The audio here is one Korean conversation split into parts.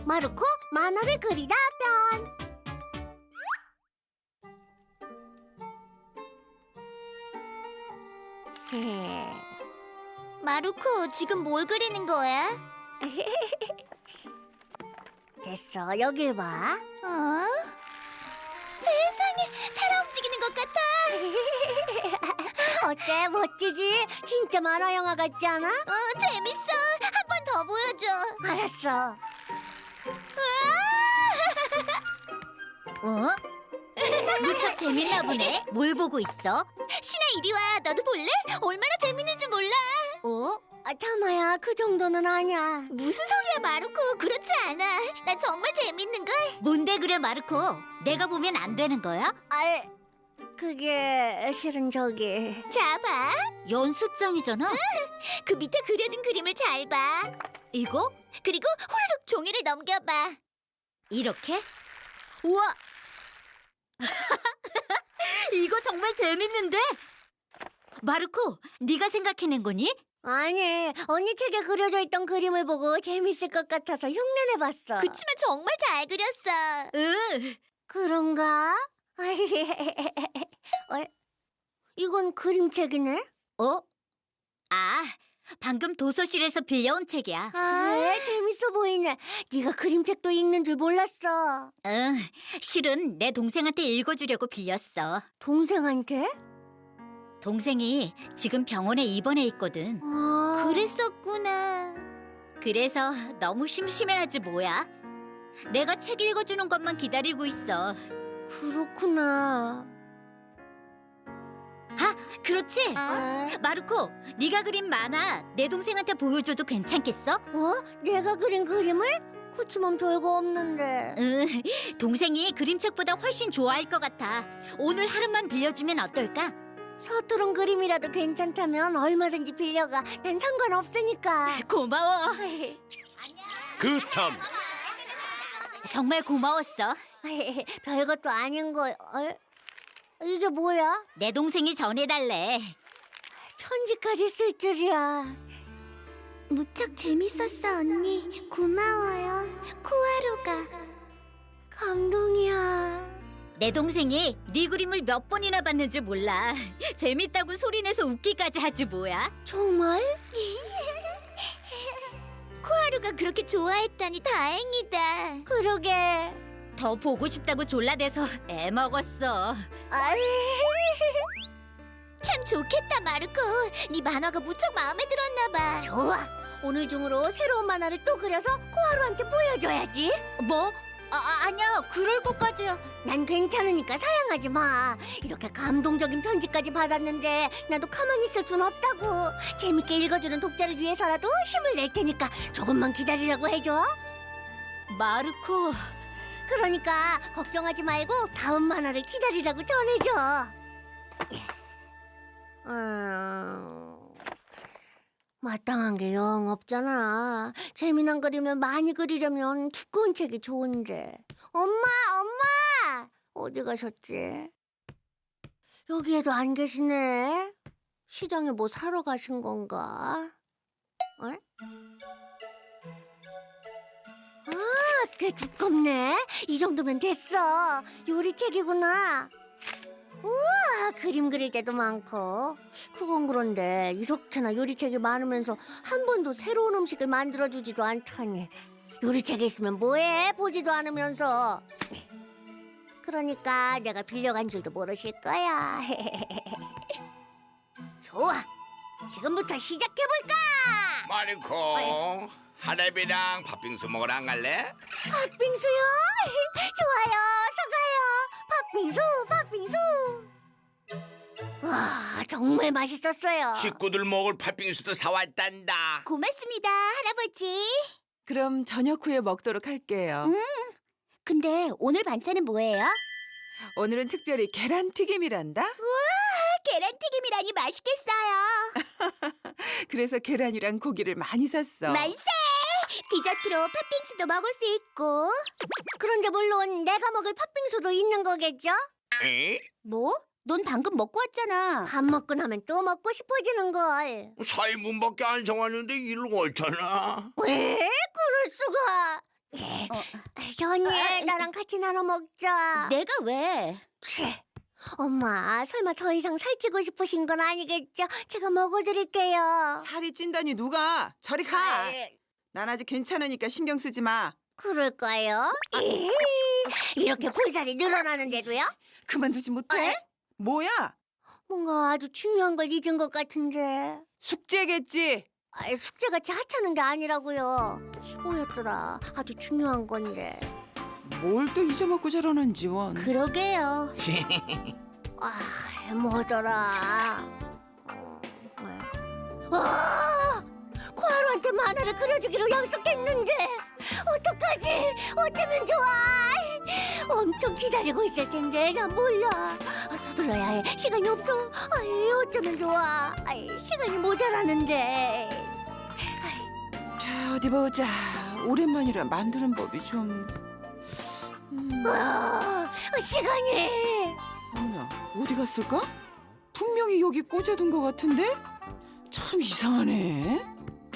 마르코 만화를 그리다 편. 마루코, 지금 뭘 그리는 거야? 됐어, 여길 봐. 어? 세상에, 살아 움직이는 것 같아. 어때, 멋지지? 진짜 만화 영화 같지 않아? 재밌어. 한 번 더 보여줘. 알았어. 어? 무척 재밌나 보네. 뭘 보고 있어? 신아, 이리 와. 너도 볼래? 얼마나 재밌는지 몰라. 타마야, 그 정도는 아니야. 무슨 소리야, 마루코. 그렇지 않아. 난 정말 재밌는걸. 뭔데 그래, 마루코? 내가 보면 안 되는 거야? 그게 실은 저기. 자, 봐. 연습장이잖아. 그 밑에 그려진 그림을 잘 봐. 이거? 그리고 후루룩 종이를 넘겨봐. 이렇게? 우와! 이거 정말 재밌는데? 마르코, 네가 생각해낸 거니? 아니, 언니 책에 그려져 있던 그림을 보고 재밌을 것 같아서 흉내내봤어. 그치만 정말 잘 그렸어. 응. 그런가? 이건 그림책이네? 방금 도서실에서 빌려온 책이야. 그래, 재밌어 보이네. 네가 그림책도 읽는 줄 몰랐어. 응, 실은 내 동생한테 읽어주려고 빌렸어. 동생한테? 동생이 지금 병원에 입원해 있거든. 그랬었구나. 그래서 너무 심심해하지 뭐야. 내가 책 읽어주는 것만 기다리고 있어. 그렇구나. 그렇지? 마르코, 네가 그린 만화 내 동생한테 보여줘도 괜찮겠어? 내가 그린 그림을? 그치만 별거 없는데. 응, 동생이 그림책보다 훨씬 좋아할 것 같아. 오늘 하루만 빌려주면 어떨까? 서투른 그림이라도 괜찮다면 얼마든지 빌려가. 난 상관없으니까. 고마워. 그 다음 정말 고마웠어. 별것도 아닌 거. 이게 뭐야? 내 동생이 전해달래. 편지까지 쓸 줄이야. 무척 재밌었어, 언니. 고마워요. 쿠아루가. 감동이야. 내 동생이 네 그림을 몇 번이나 봤는지 몰라. 재밌다고 소리내서 웃기까지 하지 뭐야. 정말? 쿠아루가 그렇게 좋아했다니 다행이다. 그러게. 더 보고 싶다고 졸라대서 애 먹었어. 참 좋겠다, 마르코. 네 만화가 무척 마음에 들었나 봐. 좋아. 오늘 중으로 새로운 만화를 또 그려서 코하루한테 보여줘야지. 뭐? 아니야. 그럴 것까지야. 난 괜찮으니까 사양하지 마. 이렇게 감동적인 편지까지 받았는데 나도 가만히 있을 순 없다고. 재밌게 읽어주는 독자를 위해서라도 힘을 낼 테니까 조금만 기다리라고 해줘. 마르코. 그러니까 걱정하지 말고 다음 만화를 기다리라고 전해줘. 마땅한 게 영 없잖아. 재미난 그리면 많이 그리려면 두꺼운 책이 좋은데. 엄마! 어디 가셨지? 여기에도 안 계시네. 시장에 뭐 사러 가신 건가? 꽤 두껍네. 이 정도면 됐어. 요리책이구나. 우와, 그림 그릴 때도 많고. 그건 그런데 이렇게나 요리책이 많으면서 한 번도 새로운 음식을 만들어주지도 않다니. 요리책에 있으면 뭐해? 보지도 않으면서. 그러니까 내가 빌려간 줄도 모르실 거야. 좋아, 지금부터 시작해볼까? 마르코 하랩이랑 팥빙수 먹으러 안 갈래? 팥빙수요? 좋아요, 팥빙수. 와, 정말 맛있었어요. 식구들 먹을 팥빙수도 사왔단다. 고맙습니다, 할아버지. 그럼 저녁 후에 먹도록 할게요. 근데 오늘 반찬은 뭐예요? 오늘은 특별히 계란튀김이란다. 계란튀김이라니 맛있겠어요. 그래서 계란이랑 고기를 많이 샀어. 만세! 디저트로 팥빙수도 먹을 수 있고. 그런데 물론 내가 먹을 팥빙수도 있는 거겠죠? 에? 뭐? 넌 방금 먹고 왔잖아. 밥 먹고 나면 또 먹고 싶어지는 걸. 4인분밖에 안 정하는데 일을 옳잖아. 왜? 그럴 수가. 현이 나랑 같이 나눠 먹자. 내가 왜? 치, 엄마 설마 더 이상 살찌고 싶으신 건 아니겠죠? 제가 먹어드릴게요. 살이 찐다니 누가? 저리 가. 난 아직 괜찮으니까 신경 쓰지 마. 그럴까요? 이렇게 볼살이 늘어나는데도요? 그만두지 못해? 뭐야? 뭔가 아주 중요한 걸 잊은 것 같은데. 숙제겠지. 숙제같이 하찮은 게 아니라고요. 뭐였더라? 아주 중요한 건데. 뭘 또 잊어먹고 저러는지 원. 그러게요. 뭐더라? 코하루한테 만화를 그려주기로 약속했는데 어떡하지? 어쩌면 좋아? 엄청 기다리고 있을 텐데 난 몰라. 서둘러야 해. 시간이 없어. 어쩌면 좋아? 시간이 모자라는데. 자, 어디 보자. 오랜만이라 만드는 법이 좀... 시간이. 어머나, 어디 갔을까? 분명히 여기 꽂아둔 것 같은데? 참 이상하네.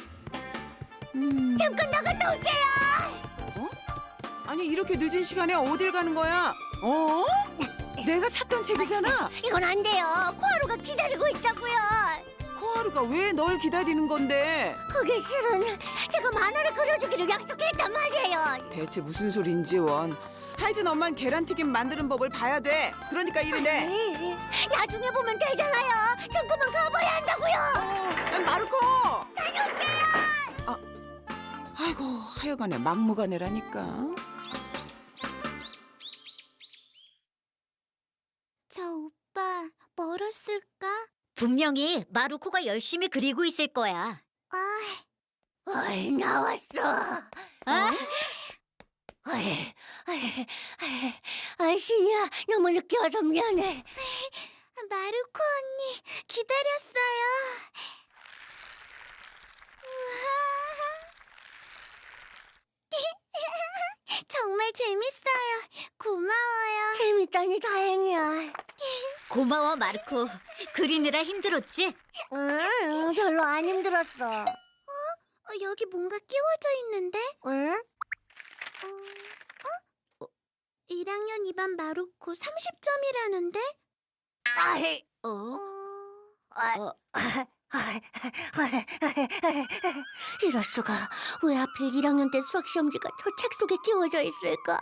잠깐 나갔다 올게요. 어? 아니 이렇게 늦은 시간에 어딜 가는 거야? 어? 내가 찾던 책이잖아. 이건 안 돼요. 코하루가 기다리고 있다고요. 코하루가 왜 널 기다리는 건데? 그게 실은 제가 만화를 그려주기로 약속했단 말이에요. 대체 무슨 소린지 원. 하여튼 엄만 계란튀김 만드는 법을 봐야 돼. 그러니까 이러네. 나중에 보면 되잖아요. 전 그만 가봐야 한다고요. 마르코! 다녀올게요. 아이고 하여간에 막무가내라니까. 저 오빠 멀었을까? 분명히 마루코가 열심히 그리고 있을 거야. 나왔어. 아? 신이야, 너무 늦게 와서 미안해. 마루코 언니 기다렸어요. 정말 재밌어요. 고마워요. 재밌다니 다행이야. 고마워 마르코. 그리느라 힘들었지? 응, 별로 안 힘들었어. 여기 뭔가 끼워져 있는데? 응? 1학년 2반 마루코 30점이라는데? 이럴 수가. 왜 하필 1학년 때 수학 시험지가 저 책 속에 끼워져 있을까?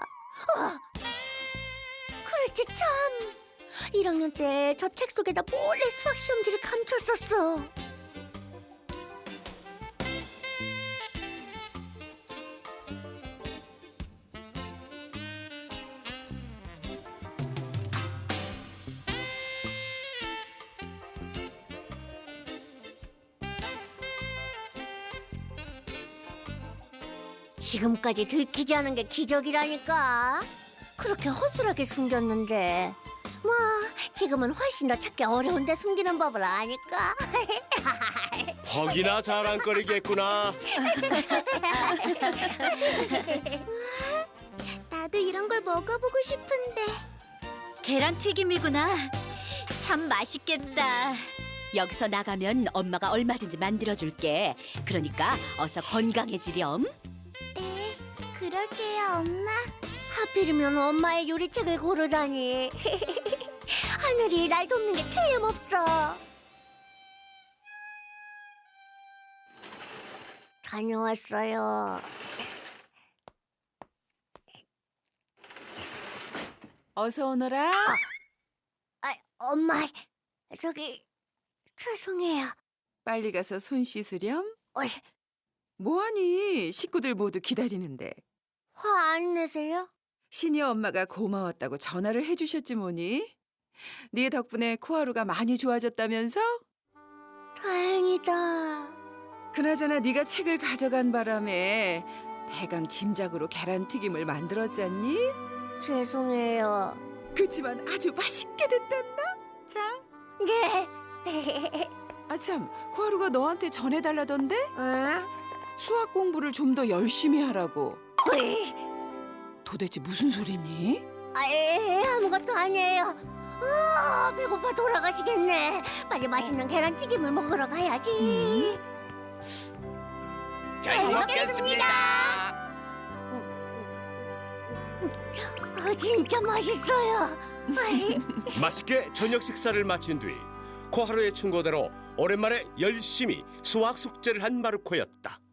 그랬지 참. 1학년 때 저 책 속에다 몰래 수학 시험지를 감췄었어. 지금까지 들키지 않은 게 기적이라니까. 그렇게 허술하게 숨겼는데 뭐 지금은 훨씬 더 찾기 어려운데 숨기는 법을 아니까. 퍽이나 자랑거리겠구나. 나도 이런 걸 먹어보고 싶은데. 계란튀김이구나. 참 맛있겠다. 여기서 나가면 엄마가 얼마든지 만들어줄게. 그러니까 어서 건강해지렴. 네, 그럴게요, 엄마. 하필이면 엄마의 요리책을 고르다니. 하늘이 날 돕는 게 틀림없어. 다녀왔어요. 어서 오너라. 엄마, 저기 죄송해요. 빨리 가서 손 씻으렴. 어이, 뭐하니? 식구들 모두 기다리는데. 화 안 내세요? 신이 엄마가 고마웠다고 전화를 해주셨지 뭐니? 네 덕분에 코하루가 많이 좋아졌다면서? 다행이다. 그나저나 네가 책을 가져간 바람에 대강 짐작으로 계란튀김을 만들었잖니? 죄송해요. 그치만 아주 맛있게 됐단다. 자, 네. 아참, 코하루가 너한테 전해달라던데? 응? 수학 공부를 좀 더 열심히 하라고. 으이, 도대체 무슨 소리니? 아무것도 아니에요. 배고파 돌아가시겠네. 빨리 맛있는 계란튀김을 먹으러 가야지. 잘 먹겠습니다. 진짜 맛있어요. 맛있게 저녁 식사를 마친 뒤 코하루의 충고대로 오랜만에 열심히 수학 숙제를 한 마르코였다.